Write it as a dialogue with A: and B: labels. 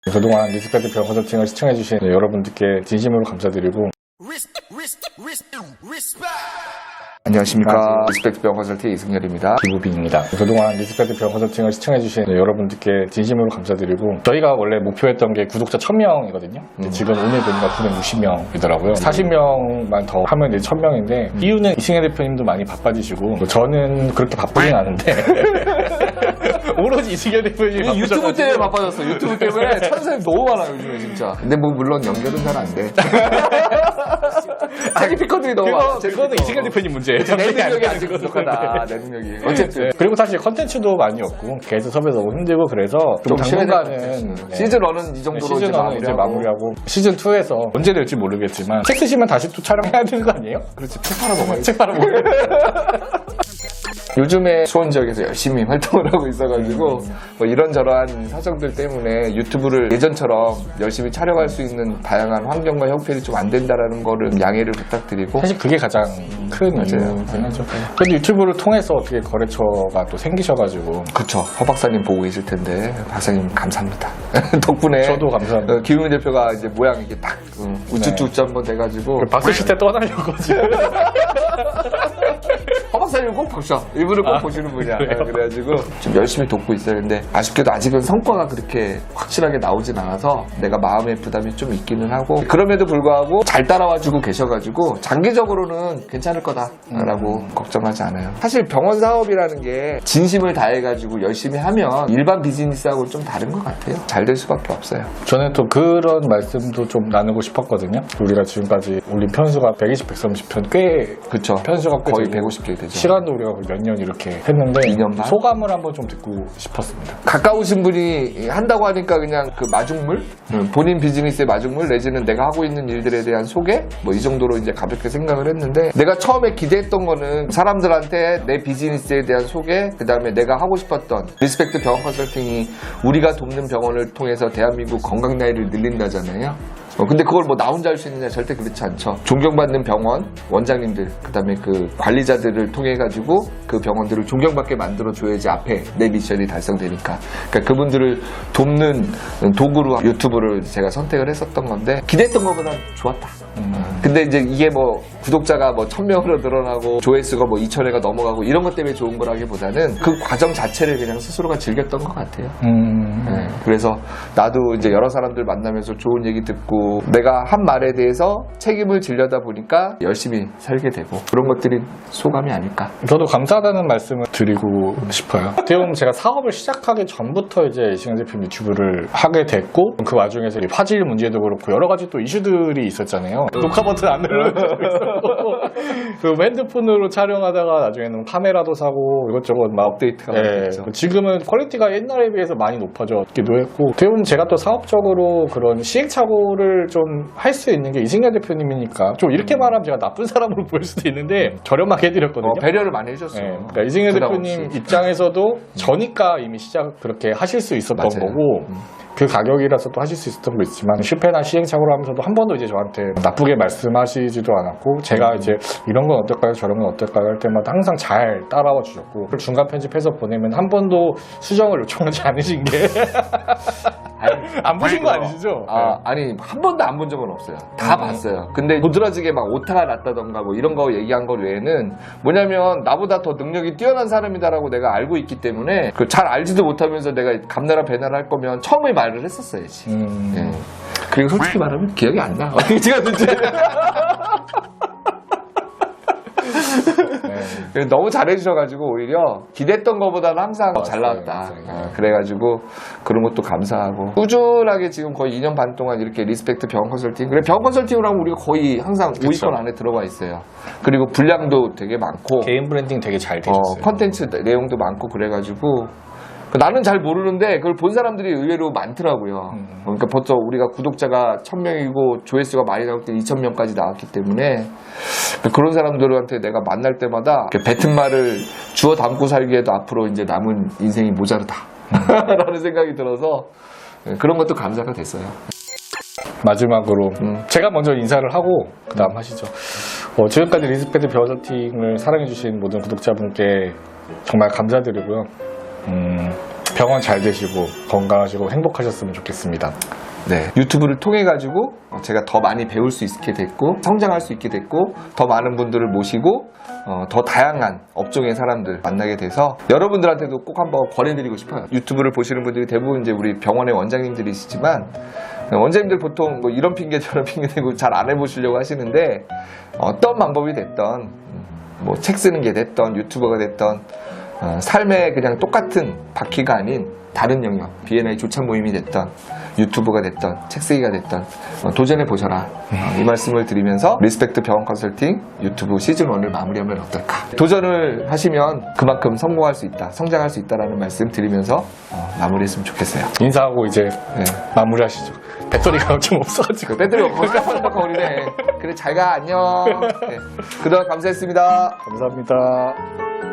A: 그동안 리스펙트 병 컨설팅을 시청해주신 여러분들께 진심으로 감사드리고,
B: 안녕하십니까. 리스펙트 병 컨설팅 이승열입니다.
A: 김우빈입니다. 그동안 리스펙트 병 컨설팅을 시청해주신 여러분들께 진심으로 감사드리고, 저희가 원래 목표했던 게 구독자 1000명이거든요. 지금 오늘 보니까 960명이더라고요. 40명만 더 하면 이제 1000명인데, 이유는 이승열 대표님도 많이 바빠지시고, 저는 그렇게 바쁘진 않은데, 오로지 이승열 대표님이
B: 유튜브 때문에 바빠졌어. 유튜브 때문에 천사님 너무 많아요, 요즘에 진짜. 근데 뭐 물론 연결은 잘 안 돼. 자기 피커들이 너무 많아.
A: 그거는 이승열 대표님 문제예요.
B: 내 능력이 아직 부족하다. 내 능력이. 어쨌든.
A: 그리고 사실 컨텐츠도 많이 없고, 게스트 섭외도 너무 힘들고, 그래서 좀 당분간은
B: 시즌 1은 이 정도로
A: 시즌 1은 이제 마무리하고, 시즌 2에서 언제 될지 모르겠지만, 책 쓰시면 다시 또 촬영해야 되는 거 아니에요?
B: 그렇지. 책 팔아 먹어야지.
A: 책 팔아먹어요.
B: 요즘에 수원 지역에서 열심히 활동을 하고 있어가지고 뭐 이런저런 사정들 때문에 유튜브를 예전처럼 열심히 촬영할 수 있는 다양한 환경과 형편이 좀 안 된다라는 거를 양해를 부탁드리고,
A: 사실 그게 가장 큰 이유긴 하죠. 근데 유튜브를 통해서 어떻게 거래처가 또 생기셔가지고.
B: 그쵸. 허 박사님 보고 계실 텐데 박사님 감사합니다. 덕분에
A: 저도 감사합니다.
B: 김웅 대표가 이제 모양이 이게 딱 우쭈쭈 한번 돼가지고
A: 봤으실 때 떠나려고 지금.
B: 허 박사님 꼭 보셔. 일부러 꼭 보시는 분이야. 그래가지고 좀 열심히 돕고 있어요. 근데 아쉽게도 아직은 성과가 그렇게 확실하게 나오진 않아서 내가 마음의 부담이 좀 있기는 하고, 그럼에도 불구하고 잘 따라와주고 계셔가지고 장기적으로는 괜찮을 거다라고 걱정하지 않아요. 사실 병원 사업이라는 게 진심을 다해가지고 열심히 하면 일반 비즈니스하고 좀 다른 것 같아요. 잘 될 수밖에 없어요.
A: 저는 또 그런 말씀도 좀 나누고 싶었거든요. 우리가 지금까지 올린 편수가 120, 130편 꽤
B: 그쵸.
A: 편수가 꽤
B: 거의
A: 되고
B: 150개 되죠.
A: 시간도 우리가 몇 년 이렇게 했는데
B: 2년 반?
A: 소감을 한번 좀 듣고 싶었습니다.
B: 가까우신 분이 한다고 하니까 그냥 그 마중물? 본인 비즈니스의 마중물 내지는 내가 하고 있는 일들에 대한 소개? 뭐 이 정도로 이제 가볍게 생각을 했는데, 내가 처음에 기대했던 거는 사람들한테 내 비즈니스에 대한 소개, 그 다음에 내가 하고 싶었던 리스펙트 병원 컨설팅이 우리가 돕는 병원을 통해서 대한민국 건강 나이를 늘린다잖아요. 근데 그걸 뭐 나 혼자 할 수 있느냐? 절대 그렇지 않죠. 존경받는 병원 원장님들, 그 다음에 그 관리자들을 통해 가지고 그 병원들을 존경받게 만들어 줘야지 앞에 내 미션이 달성되니까. 그러니까 그분들을 돕는 도구로 유튜브를 제가 선택을 했었던 건데, 기대했던 것보다 좋았다. 근데 이제 이게 뭐 구독자가 뭐 1000명으로 늘어나고 조회수가 뭐 2000회가 넘어가고 이런 것 때문에 좋은 거라기보다는 그 과정 자체를 그냥 스스로가 즐겼던 것 같아요. 네, 그래서 나도 이제 여러 사람들 만나면서 좋은 얘기 듣고 내가 한 말에 대해서 책임을 지려다 보니까 열심히 살게 되고, 그런 것들이 소감이 아닐까.
A: 저도 감사하다는 말씀을 드리고 싶어요. 어떻게 보면 제가 사업을 시작하기 전부터 이제 이승열 대표 유튜브를 하게 됐고, 그 와중에서 화질 문제도 그렇고 여러 가지 또 이슈들이 있었잖아요. 녹화 버튼 안 눌러주고 있었고, 그 핸드폰으로 촬영하다가 나중에는 카메라도 사고 이것저것 막
B: 업데이트가 많이 됐죠.
A: 지금은 퀄리티가 옛날에 비해서 많이 높아졌기도 했고, 어떻게 보면 제가 또 사업적으로 그런 시행착오를 좀 할 수 있는 게 이승열 대표님이니까, 좀 이렇게 말하면 제가 나쁜 사람으로 보일 수도 있는데 저렴하게 해드렸거든요.
B: 배려를 많이 해줬어요.
A: 네, 그러니까 이승열 대표님 입장에서도 저니까 이미 시작 그렇게 하실 수 있었던
B: 맞아요.
A: 거고, 그 가격이라서 또 하실 수 있었던 거 있지만, 실패나 시행착오를 하면서도 한 번도 이제 저한테 나쁘게 말씀하시지도 않았고, 제가 이제 이런 건 어떨까요, 저런 건 어떨까요 할 때마다 항상 잘 따라와 주셨고, 그걸 중간 편집해서 보내면 한 번도 수정을 요청하지 않으신 게 안 보신 거 아니시죠?
B: 아니 한 번도 안 본 적은 없어요. 다 봤어요. 근데 도드라지게 막 오타가 났다던가 뭐 이런 거 얘기한 거 외에는, 뭐냐면 나보다 더 능력이 뛰어난 사람이다라고 내가 알고 있기 때문에, 그 잘 알지도 못하면서 내가 감나라 배나라 할 거면 처음에 말을 했었어야지. 예. 그리고 솔직히 말하면 기억이 안 나. 어떻게 제가 듣지? 너무 잘해주셔가지고 오히려 기대했던 것보다는 항상 잘 나왔다. 그래가지고 그런 것도 감사하고, 꾸준하게 지금 거의 2년 반 동안 이렇게 리스펙트 병원 컨설팅, 그래 병원 컨설팅으로 하면 우리가 거의 항상 5위권 안에 들어가 있어요. 그리고 분량도 되게 많고,
A: 개인 브랜딩 되게 잘 되셨어요.
B: 컨텐츠 내용도 많고, 그래가지고 나는 잘 모르는데 그걸 본 사람들이 의외로 많더라고요. 그러니까 보통 우리가 구독자가 1000명이고 조회수가 많이 나올 때 2000명까지 나왔기 때문에, 그런 사람들한테 내가 만날 때마다 뱉은 말을 주워 담고 살기에도 앞으로 이제 남은 인생이 모자르다 라는 생각이 들어서 그런 것도 감사가 됐어요.
A: 마지막으로 제가 먼저 인사를 하고 그 다음 하시죠. 지금까지 리스펙트 병원 컨설팅을 사랑해주신 모든 구독자분께 정말 감사드리고요. 병원 잘 되시고 건강하시고 행복하셨으면 좋겠습니다.
B: 네, 유튜브를 통해 가지고 제가 더 많이 배울 수 있게 됐고 성장할 수 있게 됐고 더 많은 분들을 모시고 더 다양한 업종의 사람들 만나게 돼서 여러분들한테도 꼭 한번 권해드리고 싶어요. 유튜브를 보시는 분들이 대부분 이제 우리 병원의 원장님들이시지만 원장님들 보통 뭐 이런 핑계 저런 핑계 대고 잘 안 해보시려고 하시는데 어떤 방법이 됐던 뭐 책 쓰는 게 됐던 유튜버가 됐던 삶의 그냥 똑같은 바퀴가 아닌 다른 영역, B&I 조찬 모임이 됐던 유튜브가 됐던 책 쓰기가 됐던 도전해 보셔라 이 말씀을 드리면서 리스펙트 병원 컨설팅 유튜브 시즌1을 마무리하면 어떨까. 도전을 하시면 그만큼 성공할 수 있다, 성장할 수 있다라는 말씀 드리면서 마무리했으면 좋겠어요.
A: 인사하고 이제
B: 네.
A: 마무리하시죠. 배터리가 좀 없어가지고.
B: 배터리 없고 깜빡깜빡거리네. 그래 잘 가 안녕. 네. 그동안 감사했습니다.
A: 감사합니다.